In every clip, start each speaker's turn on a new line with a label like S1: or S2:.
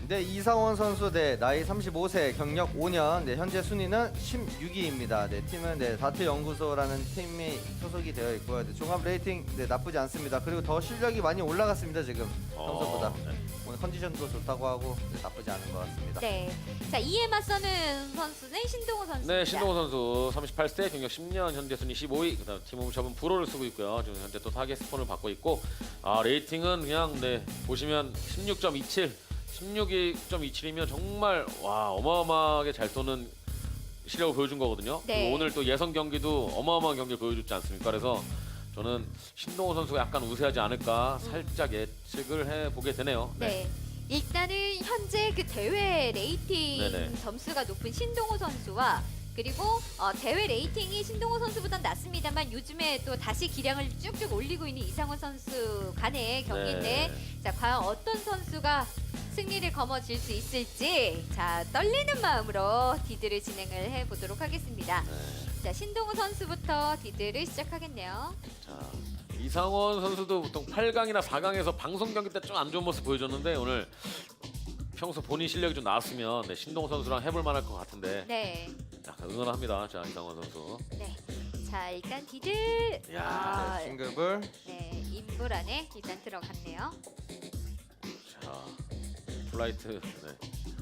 S1: 네, 이상원 선수 나이 35세, 경력 5년. 네, 현재 순위는 16위입니다. 네, 팀은 다트 연구소라는 팀이 소속이 되어 있고요. 네, 종합 레이팅 나쁘지 않습니다. 그리고 더 실력이 많이 올라갔습니다, 지금 평소보다.
S2: 네.
S1: 오늘 컨디션도 좋다고 하고 나쁘지 않은 것 같습니다.
S3: 네. 자, 이에 맞서는 선수는 신동호 선수입니다.
S2: 네, 신동호 선수 38세, 경력 10년, 현재 순위 15위. 그다음 팀홈샵은 브로를 쓰고 있고요. 지금 현재 또 타겟 스폰을 받고 있고, 레이팅은 그냥 보시면 16.27, 16.27이면 정말 어마어마하게 잘 쏘는 실력을 보여준 거거든요.
S3: 네.
S2: 그리고 오늘 또 예선 경기도 어마어마한 경기를 보여줬지 않습니까? 그래서 저는 신동호 선수가 약간 우세하지 않을까 살짝 예측을 해보게 되네요.
S3: 네. 일단은 현재 그 대회 레이팅
S2: 네네.
S3: 점수가 높은 신동호 선수와 그리고 대회 레이팅이 신동호 선수보단 낮습니다만 요즘에 또 다시 기량을 쭉쭉 올리고 있는 이상원 선수 간의 경기인데 자, 과연 어떤 선수가 승리를 거머쥘 수 있을지 자, 떨리는 마음으로 디드를 진행을 해보도록 하겠습니다. 자, 신동호 선수부터 디드를 시작하겠네요.
S2: 자, 이상원 선수도 보통 8강이나 4강에서 방송 경기 때 좀 안 좋은 모습 보여줬는데 오늘 평소 본인 실력이 좀 나왔으면 신동호 선수랑 해볼 만할 것 같은데
S3: 네.
S2: 약간 응원합니다. 자, 이상원 선수.
S3: 네. 자, 일단 디드.
S2: 야,
S1: 네, 싱글볼.
S3: 네, 인물 안에 일단 들어갔네요.
S2: 자, 플라이트. 네.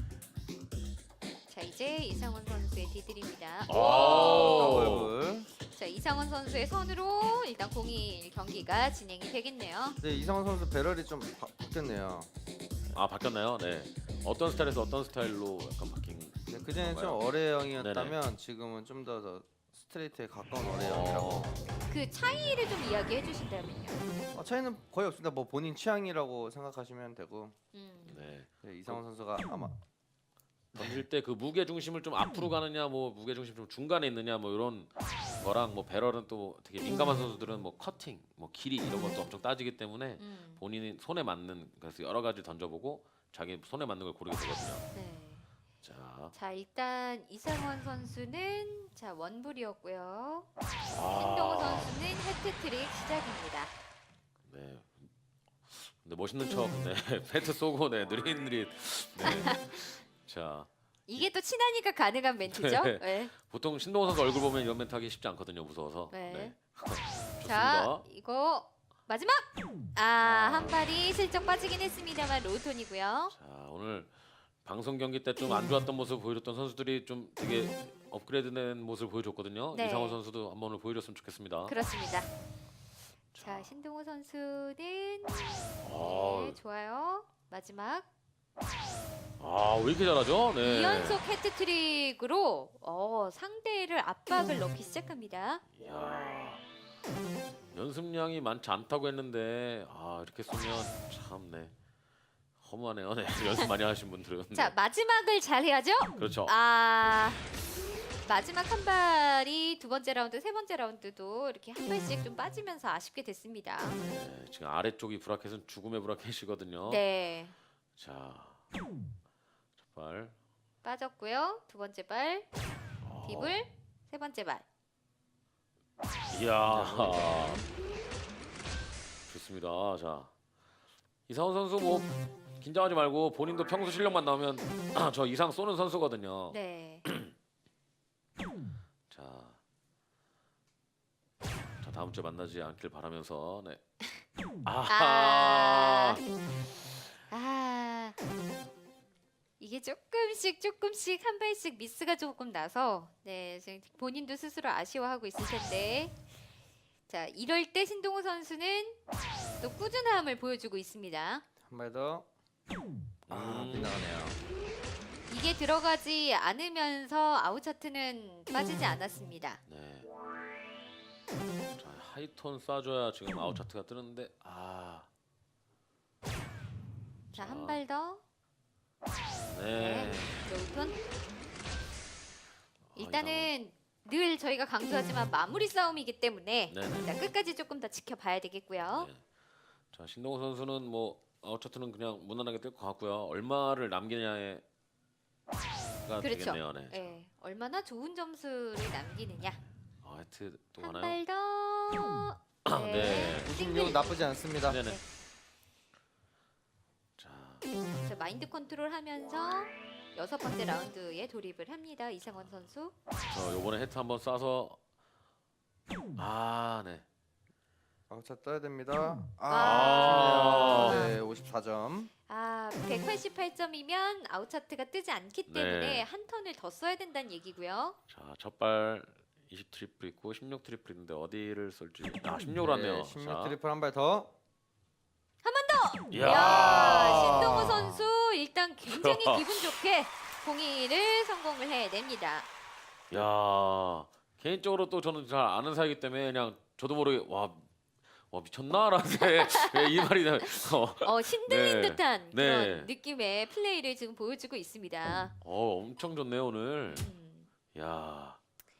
S3: 자, 이제 이상원 선수의 디들입니다.
S1: 더블볼.
S3: 자, 이상원 선수의 선으로 일단 01 경기가 진행이 되겠네요.
S1: 네, 이상원 선수 배럴이 좀 바뀌었네요.
S2: 바뀌었나요? 네. 어떤 스타일에서 어떤 스타일로 약간 바뀐?
S1: 네, 그전에 좀
S2: 건가요?
S1: 어뢰형이었다면 지금은 좀 더 스트레이트에 가까운 어뢰형이라고.
S3: 그 차이를 좀 이야기해 주신다면요.
S1: 차이는 거의 없습니다. 뭐 본인 취향이라고 생각하시면 되고.
S2: 네.
S1: 네, 이상원 선수가 아마
S2: 던질 때 그 무게 중심을 좀 앞으로 가느냐, 뭐 무게 중심 좀 중간에 있느냐, 뭐 이런 거랑 뭐 배럴은 또 되게 민감한 선수들은 뭐 커팅, 뭐 길이 이런 것도 엄청 따지기 때문에 본인이 손에 맞는 그래서 여러 가지 던져보고 자기 손에 맞는 걸 고르게 되거든요.
S3: 네.
S2: 자,
S3: 자, 일단 이상원 선수는 자, 원불이었고요.
S2: 아.
S3: 신동호 선수는 해트트릭 시작입니다.
S2: 네. 근데 멋있는 척, 네, 패트 쏘고, 네, 느릿느릿. 네. 자,
S3: 이게 또 친하니까 가능한 멘트죠?
S2: 네.
S3: 네.
S2: 보통 신동호 선수 얼굴 보면 이런 멘트 하기 쉽지 않거든요, 무서워서.
S3: 네.
S2: 좋습니다.
S3: 자, 이거 마지막! 한 발이 슬쩍 빠지긴 했습니다만 로우톤이고요.
S2: 자, 오늘 방송 경기 때 좀 안 좋았던 모습 보여줬던 선수들이 좀 되게 업그레이드된 모습을 보여줬거든요.
S3: 네.
S2: 이상호 선수도 한번 오늘 보여줬으면 좋겠습니다.
S3: 그렇습니다. 자, 신동호 선수는 네,
S2: 아,
S3: 좋아요. 마지막
S2: 왜 이렇게 잘하죠? 네.
S3: 2연속 해트트릭으로 상대를 압박을 넣기 시작합니다.
S2: 이야, 연습량이 많지 않다고 했는데 이렇게 쏘면 참 허무하네요. 네. 연습 많이 하신 분들은.
S3: 자, 마지막을 잘 해야죠.
S2: 그렇죠.
S3: 마지막 한 발이 두 번째 라운드, 세 번째 라운드도 이렇게 한 발씩 좀 빠지면서 아쉽게 됐습니다.
S2: 네, 지금 아래쪽이 브라켓은 죽음의 브라켓이거든요.
S3: 네,
S2: 자, 첫 발.
S3: 빠졌고요. 두 번째 발, 딥을, 세 번째 발.
S2: 이야. 좋습니다. 자, 이상원 선수 뭐 긴장하지 말고 본인도 평소 실력만 나오면 저 이상 쏘는 선수거든요.
S3: 네.
S2: 자, 다음 주에 만나지 않길 바라면서 네.
S3: 이게 조금씩 한 발씩 미스가 조금 나서 네, 지금 본인도 스스로 아쉬워하고 있을 텐데 자, 이럴 때 신동호 선수는 또 꾸준함을 보여주고 있습니다.
S1: 한 발 더. 빗나가네요.
S3: 이게 들어가지 않으면서 아웃 차트는 빠지지 않았습니다.
S2: 네. 자, 하이톤 쏴줘야 지금 아웃 차트가 뜨는데
S3: 자, 한 발 더.
S2: 네.
S3: 로우톤. 일단은 늘 저희가 강조하지만 마무리 싸움이기 때문에
S2: 네네.
S3: 자, 끝까지 조금 더 지켜봐야 되겠고요.
S2: 네. 자, 신동호 선수는 뭐 아웃 차트는 그냥 무난하게 뜰 것 같고요. 얼마를 남기냐가
S3: 그렇죠.
S2: 되겠네요. 네.
S3: 네, 얼마나 좋은 점수를 남기느냐.
S2: 하이트 또
S3: 한
S2: 가나요?
S3: 발 더.
S2: 네.
S1: 96 나쁘지 않습니다.
S2: 네네.
S3: 네.
S2: 자,
S3: 자, 마인드 컨트롤하면서 6번째 라운드에 돌입을 합니다. 이상원 선수.
S2: 요번에 헤트 한번 쏴서 네.
S1: 아웃차 떠야 됩니다.
S2: 아.
S1: 아쉽네요. 네, 54점.
S3: 188점이면 아웃 차트가 뜨지 않기 때문에
S2: 네.
S3: 한 턴을 더 써야 된다는 얘기고요.
S2: 자, 첫발 20 트리플 있고 16 트리플 있는데 어디를 쏠지. 16으로 왔네요.
S1: 16 트리플 한 발 더.
S2: 이야.
S3: 이야, 신동우 선수 일단 굉장히 기분 좋게 공이를 성공을 해냅니다.
S2: 야, 개인적으로 또 저는 잘 아는 사이기 때문에 그냥 저도 모르게 와 미쳤나라는 이 말이
S3: 신들린
S2: 네.
S3: 듯한
S2: 네.
S3: 그런 느낌의 플레이를 지금 보여주고 있습니다.
S2: 엄청 좋네요 오늘.
S3: 음.
S2: 야.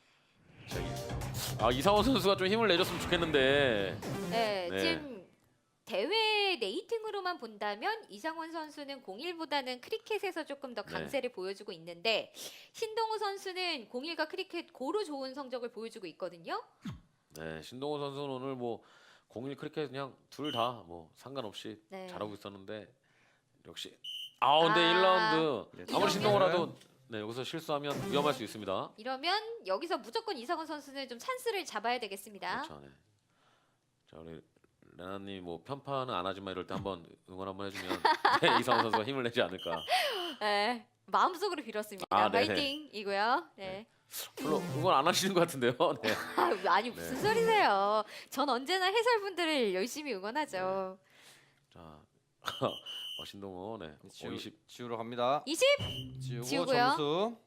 S2: 이상원 선수가 좀 힘을 내줬으면 좋겠는데.
S3: 네,
S2: 네.
S3: 지금 대회 레이팅으로만 본다면 이상원 선수는 01보다는 크리켓에서 조금 더 강세를 보여주고 있는데 신동우 선수는 01과 크리켓 고루 좋은 성적을 보여주고 있거든요.
S2: 네, 신동호 선수는 오늘 뭐 01 크리켓 그냥 둘 다 뭐 상관없이
S3: 네.
S2: 잘하고 있었는데 역시 근데 1라운드
S1: 네,
S2: 아무리
S3: 이러면-
S2: 신동호라도 여기서 실수하면 위험할 수 있습니다.
S3: 이러면 여기서 무조건 이상원 선수는 좀 찬스를 잡아야 되겠습니다.
S2: 그렇죠. 네. 자, 우리 레나님 뭐 편파는 안 하지만 이럴 때 한번 응원 한번 해주면 이상원 선수가 힘을 내지 않을까.
S3: 네, 마음속으로 빌었습니다.
S2: 네네.
S3: 파이팅이고요. 네.
S2: 별로 응원 안 하시는 것 같은데요. 네.
S3: 아니 무슨 소리세요? 전 언제나 해설분들을 열심히 응원하죠.
S2: 자, 신동호 네. 20.
S1: 지우러 갑니다.
S3: 20.
S1: 지우고
S3: 지우고요.
S1: 점수.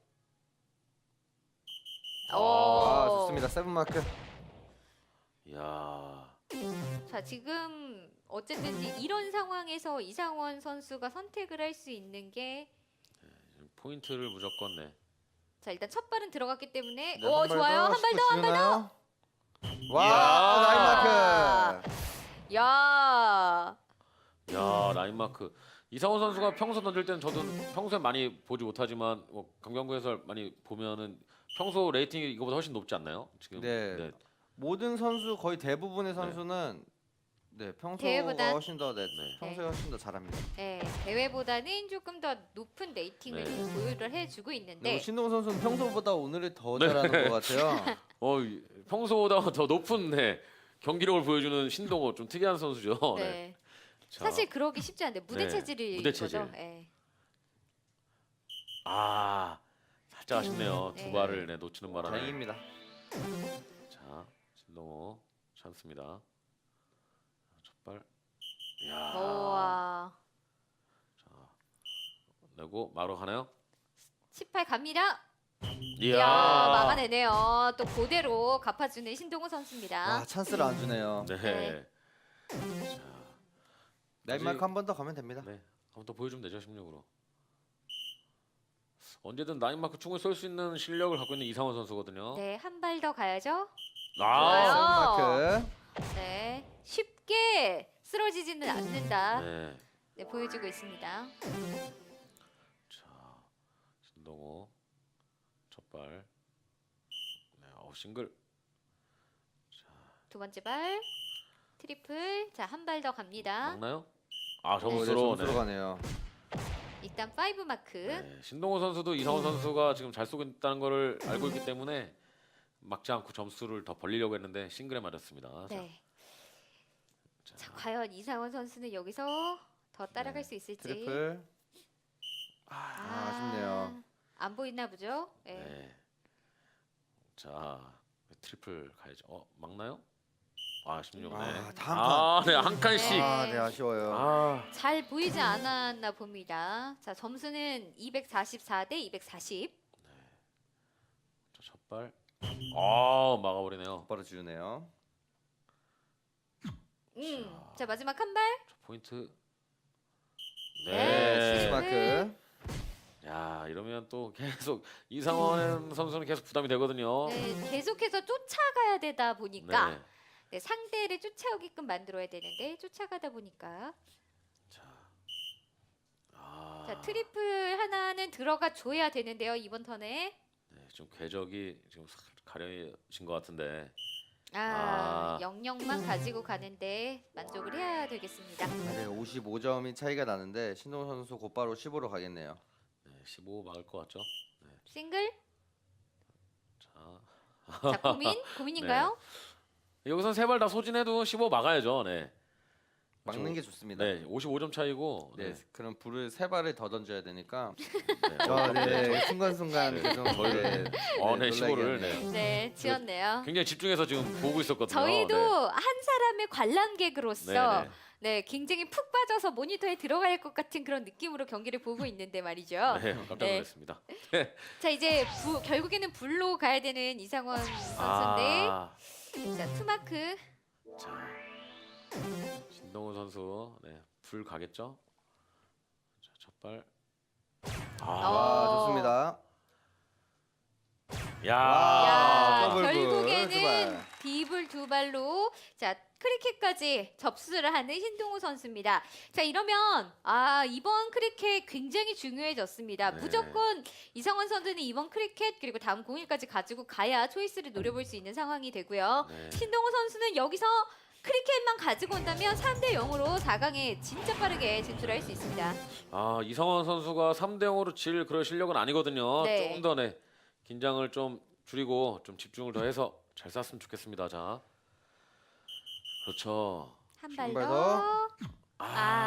S3: 오.
S1: 좋습니다. 세븐 마크.
S2: 야.
S3: 자, 지금 어쨌든 이런 상황에서 이상원 선수가 선택을 할 수 있는 게
S2: 포인트를 무조건
S3: 자, 일단 첫 발은 들어갔기 때문에
S1: 네,
S3: 오,
S1: 한발
S3: 좋아요.
S1: 더.
S3: 한 발 더, 한 발 더.
S1: 지우나요? 와,
S2: 이야.
S1: 나인 마크.
S3: 야.
S2: 라인 마크. 이상원 선수가 평소 던질 때는 저도 평소에 많이 보지 못하지만 뭐 강경구 해설 많이 보면은 평소 레이팅이 이거보다 훨씬 높지 않나요? 지금.
S1: 네. 모든 선수 거의 대부분의 선수는 평소가
S3: 대회보단?
S1: 훨씬 더
S2: 네.
S1: 평소에 훨씬 더 잘합니다.
S3: 네, 대회보다는 조금 더 높은 레이팅을
S2: 네.
S3: 좀 보유를 해주고
S1: 네.
S3: 있는데
S1: 신동훈 선수는 평소보다 오늘이 더 잘하는 것 같아요.
S2: 평소보다 더 높은 경기력을 보여주는 신동호 좀 특이한 선수죠.
S3: 네.
S2: 자,
S3: 사실 그러기 쉽지 않은데 무대
S2: 네,
S3: 체질이
S2: 무대 체질.
S3: 거죠. 네.
S2: 살짝 아쉽네요.
S3: 네.
S2: 두 발을 놓치는 바람에.
S1: 다행입니다.
S2: 자, 신동호 찬스입니다. 첫 발. 야.
S3: 우와.
S2: 내고 마로 가나요?
S3: 18 갑니다.
S2: 이야.
S3: 이야, 막아내네요. 또 그대로 갚아주는 신동호 선수입니다.
S1: 찬스를 안 주네요.
S2: 네.
S3: 네.
S1: 나인 마크 한 번 더 가면 됩니다.
S2: 네. 한번 더 보여주면 되죠, 16으로. 언제든 나인 마크 충분히 쏠 수 있는 실력을 갖고 있는 이상원 선수거든요.
S3: 네, 한 발 더 가야죠.
S2: 아.
S3: 좋아요.
S1: 세븐 마크.
S3: 네, 쉽게 쓰러지지는 않는다.
S2: 네.
S3: 네, 보여주고 있습니다.
S2: 자, 신동호 첫 발. 네, 싱글.
S3: 두 번째 발 트리플. 자, 한 발 더 갑니다.
S2: 막나요?
S1: 점수로
S2: 점수로.
S1: 가네요.
S3: 일단 5 마크.
S2: 네, 신동호 선수도 이상원 선수가 지금 잘 쏘고 있다는 거를 알고 있기 때문에 막지 않고 점수를 더 벌리려고 했는데 싱글에 맞았습니다.
S3: 네. 자, 과연 이상원 선수는 여기서 더 따라갈 수 있을지.
S1: 트리플. 아쉽네요.
S3: 안 보이나 보죠? 네.
S2: 네. 자, 트리플 가야죠. 막나요? 16. 네.
S1: 다음
S2: 네, 한 칸씩.
S3: 네.
S1: 네, 아쉬워요.
S3: 잘 보이지 않았나 봅니다. 자, 점수는 244 대 240.
S2: 자, 첫 발. 막아버리네요.
S1: 바로 지우네요.
S3: 자, 마지막 한 발.
S2: 저 포인트.
S3: 네,
S2: 네.
S1: 시스 마크.
S2: 야, 이러면 또 계속 이상원 선수는 계속 부담이 되거든요.
S3: 네, 계속해서 쫓아가야 되다 보니까
S2: 네.
S3: 네, 상대를 쫓아오게끔 만들어야 되는데 쫓아가다 보니까 자, 트리플 하나는 들어가 줘야 되는데요, 이번 턴에.
S2: 네, 좀 궤적이 지금 가려진 것 같은데.
S3: 영역만 가지고 가는데 만족을 해야 되겠습니다.
S1: 네, 55점이 차이가 나는데 신동호 선수 곧바로 15로 가겠네요.
S2: 네, 15 막을 것 같죠?
S3: 싱글?
S2: 자,
S3: 자, 고민인가요?
S2: 여기선 세 발 다 소진해도 15 막아야죠. 네.
S1: 막는 게 좋습니다.
S2: 네, 55점 차이고.
S1: 네,
S2: 네.
S1: 그럼 불을 세 발을 더 던져야 되니까.
S2: 네.
S1: 네, 순간순간 계속
S2: 저희를 네, 15를
S1: 놀라게
S3: 네, 지었네요.
S2: 굉장히 집중해서 지금 보고 있었거든요.
S3: 저희도
S2: 네.
S3: 한 사람의 관람객으로서
S2: 네, 네.
S3: 네, 굉장히 푹 빠져서 모니터에 들어갈 것 같은 그런 느낌으로 경기를 보고 있는데 말이죠.
S2: 네, 깜짝
S3: 네.
S2: 놀랐습니다.
S3: 자, 이제 결국에는 불로 가야 되는 이상원 선수인데 자, 투마크.
S2: 자, 신동훈 선수, 네, 불 가겠죠? 자, 첫 발.
S1: 좋습니다.
S2: 야,
S3: 야,
S1: 더블 불, 두
S3: 결국에는
S1: 발.
S3: 비불 두 발로 자 크리켓까지 접수를 하는 신동우 선수입니다. 자 이러면 이번 크리켓 굉장히 중요해졌습니다.
S2: 네.
S3: 무조건 이성원 선수는 이번 크리켓 그리고 다음 공일까지 가지고 가야 초이스를 노려볼 수 있는 상황이 되고요.
S2: 네.
S3: 신동우 선수는 여기서 크리켓만 가지고 온다면 3대 0으로 4강에 진짜 빠르게 진출할 수 있습니다.
S2: 이성원 선수가 3대 0으로 질 그럴 실력은 아니거든요.
S3: 네.
S2: 조금 더 긴장을 좀 줄이고 좀 집중을 더 해서 잘 쐈으면 좋겠습니다. 자, 그렇죠.
S3: 한
S1: 발
S3: 발
S1: 더.
S3: 더.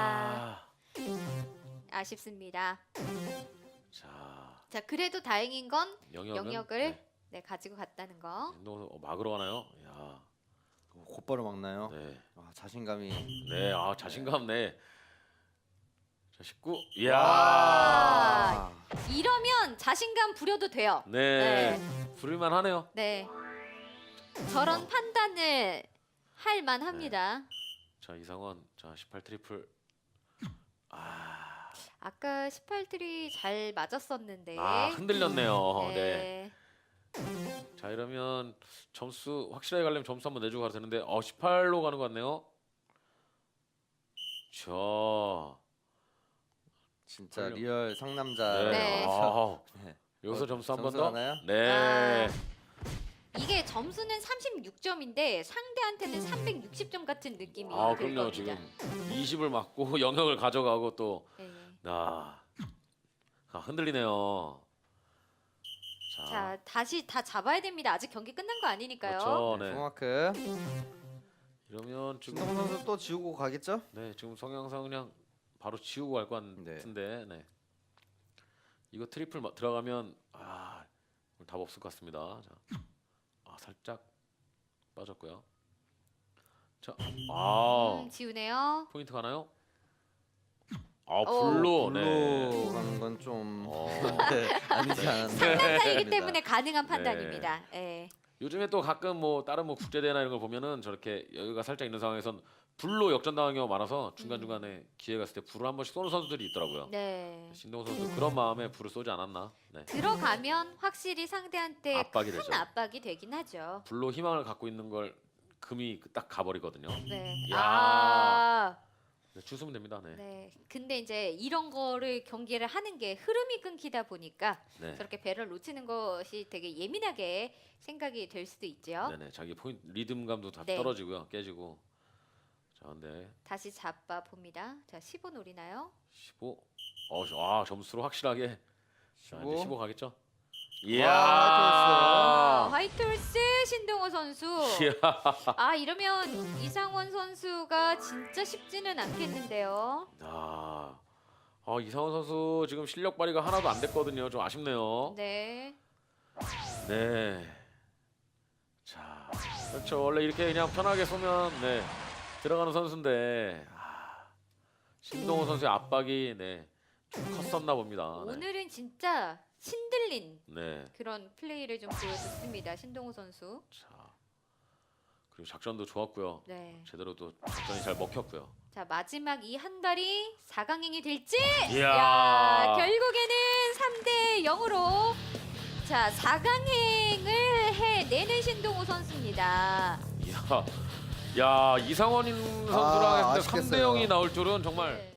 S3: 아쉽습니다.
S2: 자,
S3: 자 그래도 다행인 건
S2: 영역을
S3: 네, 가지고 갔다는 거.
S2: 막으러 가나요? 야,
S1: 곧바로 막나요?
S2: 네,
S1: 자신감이.
S2: 네, 자신감 네. 자, 19. 이야,
S3: 와. 이러면 자신감 부려도 돼요.
S2: 네, 부를만 하네요.
S3: 네. 저런 판단을 할 만합니다.
S2: 자, 이상원, 자, 18 트리플.
S3: 아까 18트리 잘 맞았었는데.
S2: 흔들렸네요. 네.
S3: 네.
S2: 자, 이러면 점수 확실하게 가려면 점수 한번 내주고 가도 되는데 18로 가는 것 같네요.
S1: 진짜
S2: 걸려.
S1: 리얼 상남자.
S3: 네.
S1: 네.
S2: 여기서 점수 한 번
S1: 점수
S2: 더.
S1: 하나요?
S2: 네.
S3: 이게 점수는 36점인데 상대한테는 360점 같은 느낌이 들
S2: 그럼요.
S3: 겁니다.
S2: 지금 20을 맞고 영역을 가져가고 또
S3: 네.
S2: 흔들리네요.
S3: 자, 다시 다 잡아야 됩니다. 아직 경기 끝난 거 아니니까요.
S2: 그렇죠. 네.
S1: 소마크.
S2: 이러면 지금
S1: 신동호 선수 또 지우고 가겠죠?
S2: 네, 지금 성향상 그냥 바로 지우고 갈 것 같은데. 네. 이거 트리플 들어가면 답 없을 것 같습니다. 자. 살짝 빠졌고요. 자,
S3: 지우네요.
S2: 포인트 가나요? 불로. 네.
S1: 가는 건 좀
S2: 네.
S1: 아니지 않았나.
S3: 상남자이기 때문에 가능한 판단입니다. 네.
S2: 요즘에 또 가끔 다른 국제대회나 이런 걸 보면은 저렇게 여유가 살짝 있는 상황에선 불로 역전당한 경우가 많아서 중간중간에 기회가 있을 때 불을 한 번씩 쏘는 선수들이 있더라고요.
S3: 네.
S2: 신동호 선수 그런 마음에 불을 쏘지 않았나? 네.
S3: 들어가면 확실히 상대한테
S2: 압박이
S3: 큰
S2: 되죠.
S3: 압박이 되긴 하죠.
S2: 불로 희망을 갖고 있는 걸 금이 딱 가버리거든요.
S3: 네.
S2: 야. 네, 주수면 됩니다. 네.
S3: 네. 근데 이제 이런 거를 경기를 하는 게 흐름이 끊기다 보니까
S2: 네.
S3: 저렇게 배를 놓치는 것이 되게 예민하게 생각이 될 수도 있죠.
S2: 네네. 자기 포인트 리듬감도 다
S3: 네.
S2: 떨어지고요. 깨지고. 자, 근데
S3: 다시 잡아 봅니다. 자, 15 노리나요?
S2: 15. 점수로 확실하게. 자, 이제 15 가겠죠?
S3: 화이트홀스 신동호 선수. 이러면 이상원 선수가 진짜 쉽지는 않겠는데요.
S2: 이상원 선수 지금 실력 발휘가 하나도 안 됐거든요. 좀 아쉽네요.
S3: 네.
S2: 네. 자, 그렇죠. 원래 이렇게 그냥 편하게 쏘면 들어가는 선수인데 신동호 선수의 압박이 좀 컸었나 봅니다.
S3: 오늘은 진짜 신들린
S2: 네.
S3: 그런 플레이를 좀 보여줬습니다. 신동호 선수.
S2: 자, 그리고 작전도 좋았고요.
S3: 네.
S2: 제대로 또 작전이 잘 먹혔고요.
S3: 자, 마지막 이 한 발이 4강행이 될지.
S2: 이야.
S3: 결국에는 3대 0으로 자, 4강행을 해내는 신동호 선수입니다.
S2: 야, 이상원 선수랑 했을 때 3대
S1: 아쉽겠어요.
S2: 0이 나올 줄은 정말
S3: 네.